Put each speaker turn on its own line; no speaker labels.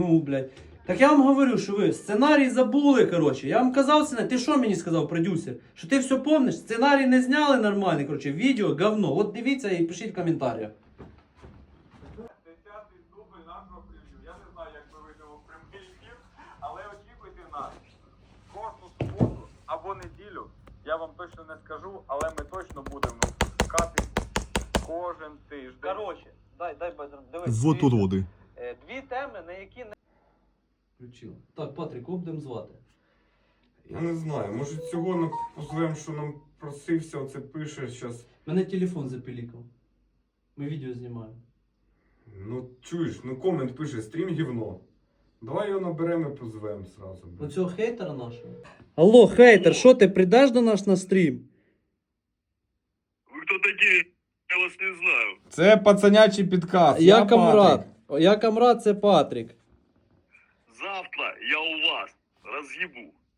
Ну, блядь. Так я вам говорю, що ви сценарій забули, коротше. Я вам казав сценарій. Ти що мені сказав, продюсер? Що ти все помниш? Сценарій не зняли нормальний, коротше. Відео говно. От дивіться і пишіть в коментарях.
10-й дубль нашого прев'ю. Я не знаю, як ми вийдемо в прямий ефір, але очікуйте нас. Кожну суботу або неділю, я вам точно не скажу, але ми точно будемо випускати кожен тиждень. Коротше, дай, дивись.
Вот уроди.
Дві теми, на які не...
Включила. Так, Патрик, кого будемо звати?
Я не знаю, може цього позовемо, що нам просився, оце пише зараз.
Мене телефон запілікав. Ми відео знімаємо.
Ну чуєш, ну комент пише, стрім гівно. Давай його наберемо і позвемо сразу.
Оцього хейтера нашого. Алло, хейтер, що ти прийдеш до нас на стрім?
Вы кто такие? Я вас не знаю.
Це пацанячий підкаст.
Я Камрад. Я Камрад, це Патрик.
Завтра я у вас разъебу.